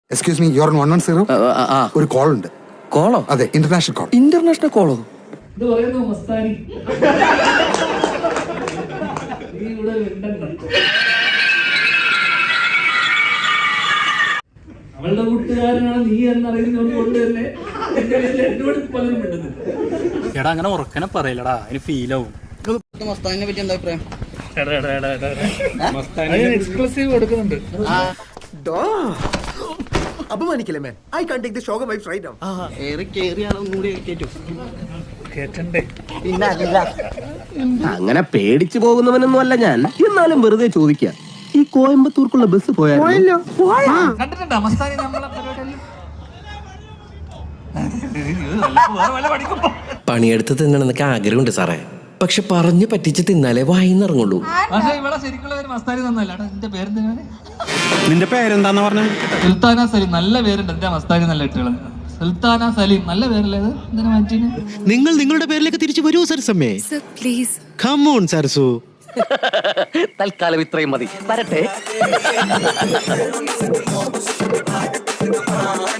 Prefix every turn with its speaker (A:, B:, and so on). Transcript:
A: Excuse me, your 110. ഒരു call ഉണ്ട്.
B: കോളോ?
A: അതെ, ഇന്റർനാഷണൽ കോൾ.
B: ഇന്റർനാഷണൽ കോളോ?
C: ഇത് പറയുന്നു മസ്താനി. നീ ഇവിടെ മിണ്ടണ്ട. അവളുടെ കൂട്ടുകാരനാണ് നീ എന്നറിയുന്നത് കൊണ്ട് തന്നെ എന്നോട് പലരും മിണ്ടുന്നത്.
D: എടാ അങ്ങനെ ഉറക്കനെ പറയില്ലടാ, അതിന് ഫീലാവും.
B: മസ്താനിനെ പറ്റി എന്താ അഭിപ്രായം?
C: എക്സ്ക്ലൂസീവ് കൊടുക്കുന്നുണ്ട്.
E: അപമാനിക്കല്ലേ man. I can't take the shock of life right now.
C: കേട്ടണ്ടേ?
F: അങ്ങനെ പേടിച്ചു പോകുന്നവനൊന്നും അല്ല ഞാൻ. എന്നാലും വെറുതെ ചോദിക്കാം, ഈ കോയമ്പത്തൂർക്കുള്ള ബസ് പോയാലോ?
C: കണ്ടിട്ടുണ്ടോ മസ്താനി നമ്മളെ പരിപാടിയിൽ?
B: പണിയെടുത്ത് തിന്നണമെന്നൊക്കെ ആഗ്രഹമുണ്ട് സാറേ, പക്ഷെ പറഞ്ഞു പറ്റിച്ച് തിന്നാലേ വായിന്നിറങ്ങുള്ളൂ.
C: പക്ഷേ ഇവിടെ ശരിക്കുള്ള ഒരു മസ്താനി തന്നല്ല. എന്റെ പേരെന്തിനാണ്?
D: നിന്റെ പേരെന്താന്ന് പറഞ്ഞ?
C: സുൽത്താന സലീം. നല്ല പേരുണ്ട്. എന്റെ മസ്താനി നല്ല ഇട്ടുള്ളത്. സുൽത്താന സലീം നല്ല പേരല്ലേ അത്? എന്തിനാ മാറ്റീന്?
G: നിങ്ങൾ നിങ്ങളുടെ പേരിലേക്ക് തിരിച്ചു വരൂ സരസമ്മേ.
H: Please
G: come on Sarasu.
B: തൽക്കാലം ഇത്രയും മതി. വരട്ടെ.